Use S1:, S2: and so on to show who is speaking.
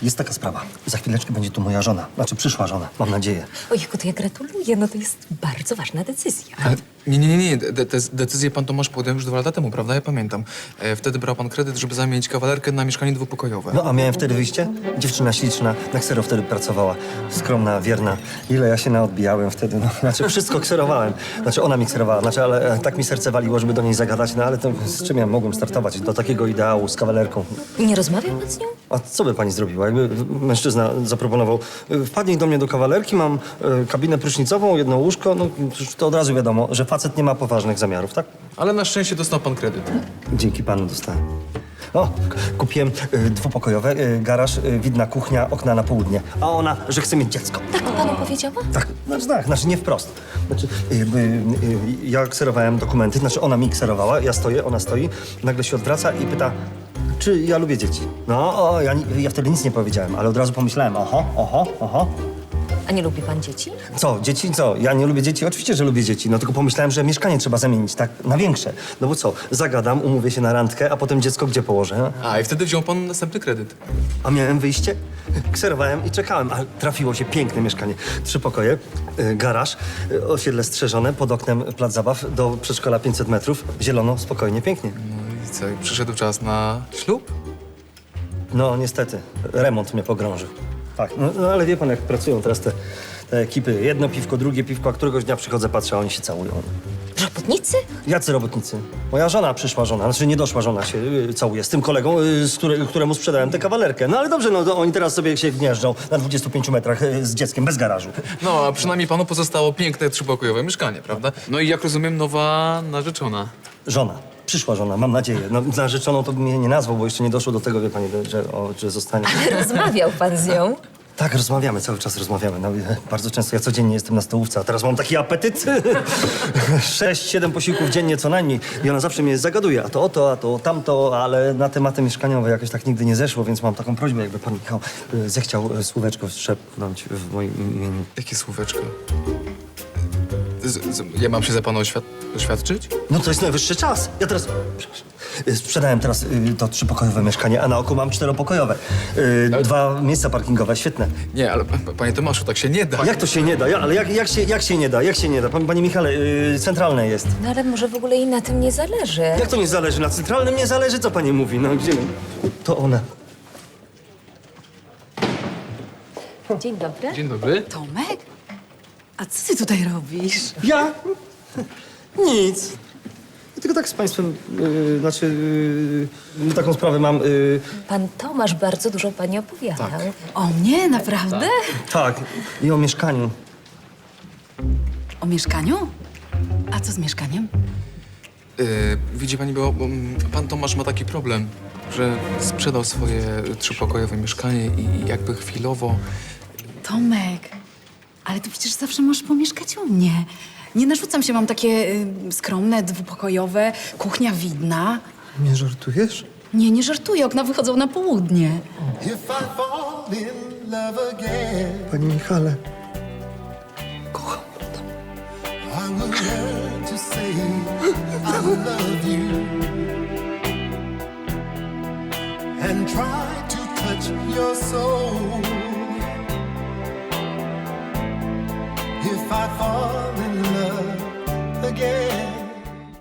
S1: Jest taka sprawa. Za chwileczkę będzie tu moja żona. Znaczy przyszła żona, mam nadzieję.
S2: Ojejku, to ja gratuluję, no to jest bardzo ważna decyzja.
S3: Ale nie. Decyzję pan Tomasz podjął już 2 lata temu, prawda? Ja pamiętam. Wtedy brał pan kredyt, żeby zamienić kawalerkę na mieszkanie dwupokojowe.
S1: No a miałem wtedy wyjście? Dziewczyna śliczna, na ksero wtedy pracowała. Skromna, wierna. Ile ja się naodbijałem wtedy, no. Znaczy wszystko kserowałem. Znaczy ona mi kserowała, znaczy ale tak mi serce waliło, żeby do niej zagadać, no ale to z czym ja mogłem startować? Do takiego ideału z kawalerką.
S2: Nie rozmawiał pan z nią?
S1: A co by pani zrobiła? Jakby mężczyzna zaproponował, wpadnij do mnie do kawalerki, mam kabinę prysznicową, jedno łóżko, no to od razu wiadomo, że facet nie ma poważnych zamiarów, tak?
S3: Ale na szczęście dostał pan kredyt.
S1: Dzięki panu dostałem. O, kupiłem dwupokojowe, garaż, widna kuchnia, okna na południe. A ona, że chce mieć dziecko.
S2: Tak panu powiedziała?
S1: Tak, znaczy nie wprost. Znaczy, ja kserowałem dokumenty, znaczy ona mi kserowała, ja stoję, ona stoi, nagle się odwraca i pyta, czy ja lubię dzieci. No, ja wtedy nic nie powiedziałem, ale od razu pomyślałem, oho.
S2: A nie lubi pan dzieci?
S1: Co, dzieci? Co? Ja nie lubię dzieci? Oczywiście, że lubię dzieci. No tylko pomyślałem, że mieszkanie trzeba zamienić, tak, na większe. No bo co, zagadam, umówię się na randkę, a potem dziecko gdzie położę?
S3: A, i wtedy wziął pan następny kredyt.
S1: A miałem wyjście? Kserowałem i czekałem, ale trafiło się piękne mieszkanie. 3 pokoje, garaż, osiedle strzeżone, pod oknem plac zabaw, do przedszkola 500 metrów, zielono, spokojnie, pięknie.
S3: No i co, i przyszedł czas na ślub?
S1: No niestety, remont mnie pogrążył. Tak, no ale wie pan, jak pracują teraz te ekipy. Jedno piwko, drugie piwko, a któregoś dnia przychodzę, patrzę, a oni się całują.
S2: Robotnicy?
S1: Jacy robotnicy? Moja żona, przyszła żona, znaczy nie doszła żona się całuje z tym kolegą, któremu sprzedałem tę kawalerkę. No ale dobrze, no to oni teraz sobie się gnieżdżą na 25 metrach z dzieckiem, bez garażu.
S3: No, a przynajmniej panu pozostało piękne 3-pokojowe mieszkanie, prawda? No i jak rozumiem, nowa narzeczona.
S1: Żona. Przyszła żona, mam nadzieję. No, narzeczoną to bym jej nie nazwał, bo jeszcze nie doszło do tego, wie pani, że zostanie.
S2: Rozmawiał pan z nią?
S1: Tak, rozmawiamy, cały czas rozmawiamy. No, bardzo często, ja codziennie jestem na stołówce, a teraz mam taki apetyt. 6-7 posiłków dziennie co najmniej. I ona zawsze mnie zagaduje, a to o to, a to o tamto, ale na tematy mieszkaniowe jakoś tak nigdy nie zeszło, więc mam taką prośbę, jakby pan Michał zechciał słóweczko szepnąć w moim imieniu.
S3: Jakie słóweczko? Ja mam się za pana oświadczyć?
S1: No to jest najwyższy czas. Ja teraz... Przepraszam. Sprzedałem teraz to 3-pokojowe mieszkanie, a na oku mam 4-pokojowe. 2 miejsca parkingowe, świetne.
S3: Nie, ale panie Tomaszu, tak się nie da.
S1: Jak to się nie da? Ale jak się nie da? Jak się nie da? Panie Michale, centralne jest.
S2: No ale może w ogóle jej na tym nie zależy.
S1: Jak to nie zależy? Na centralnym nie zależy, co pani mówi? No gdzie? To ona.
S2: Dzień dobry.
S3: Dzień dobry.
S4: Tomek? A co ty tutaj robisz?
S1: Ja? Nic. Ja tylko tak z państwem, taką sprawę mam.
S2: Pan Tomasz bardzo dużo pani opowiadał.
S3: Tak.
S4: O mnie? Naprawdę?
S1: Tak, i o mieszkaniu.
S4: O mieszkaniu? A co z mieszkaniem?
S3: Widzi pani, bo pan Tomasz ma taki problem, że sprzedał swoje 3-pokojowe mieszkanie i jakby chwilowo...
S4: Tomek, ale ty przecież zawsze możesz pomieszkać u mnie. Nie narzucam się, mam takie skromne, 2-pokojowe, kuchnia widna.
S1: Nie żartujesz?
S4: Nie żartuję, okna wychodzą na południe.
S5: If I fall in love again,
S1: Panie Michale, kocham.
S5: I will learn to say I love you and try to touch your soul. If I fall in love again,